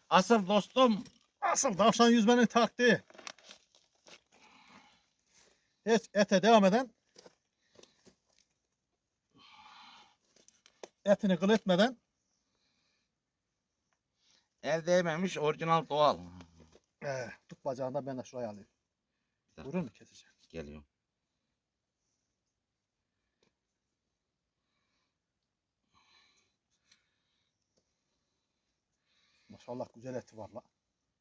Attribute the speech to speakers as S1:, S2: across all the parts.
S1: Asıl dostum.
S2: Asıl tavşan yüzmenin taktiği. Hiç ete devam eden, etini kıl etmeden
S1: El değmemiş orijinal doğal.
S2: tut bacağından ben de şuraya alayım. Buyurun mu keseceğim?
S1: Geliyor.
S2: Maşallah güzel eti var la.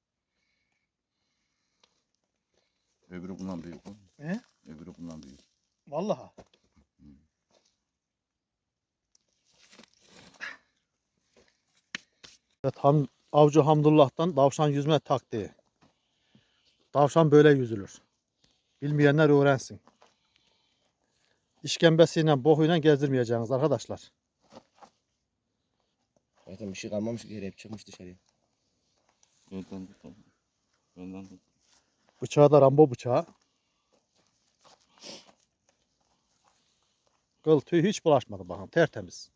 S1: Öbürü bundan büyük.
S2: He?
S1: Öbürü bundan büyük.
S2: Vallahi. Evet, Avcı Hamdullah'tan tavşan yüzme taktiği. Tavşan böyle yüzülür. Bilmeyenler öğrensin. İşkembesiyle, bohuyla gezdirmeyeceğiniz arkadaşlar.
S3: Zaten bir şey kalmamış ki hep çıkmış dışarıya.
S1: Önden tut. Önden tut.
S2: Bıçağı da Rambo bıçağı. Kıl tüy hiç bulaşmadı bakın, tertemiz.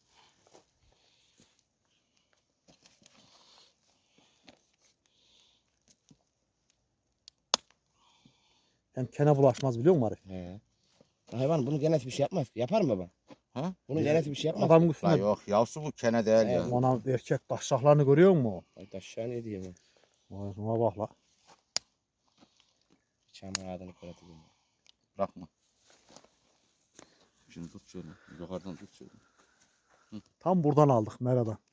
S2: Hem kene bulaşmaz biliyor musun Arif?
S3: He. Hayvan bunu geneti bir şey yapmaz. Yapar mı baba?
S1: Ha?
S3: Bunun geneti bir şey yapmaz.
S2: Adamın
S1: La
S2: üstüne
S1: yok yavsu bu kene değil
S3: He,
S1: ya.
S2: ona erkek taşraklarını görüyor musun?
S3: Ay aşağı ne diyeyim ben.
S2: Vay şuna bak la.
S3: Çamur ağzını kıratayım.
S1: Bırakma. Şimdi tut şöyle. Yukarıdan tut şöyle.
S2: Tam buradan aldık Mera'dan.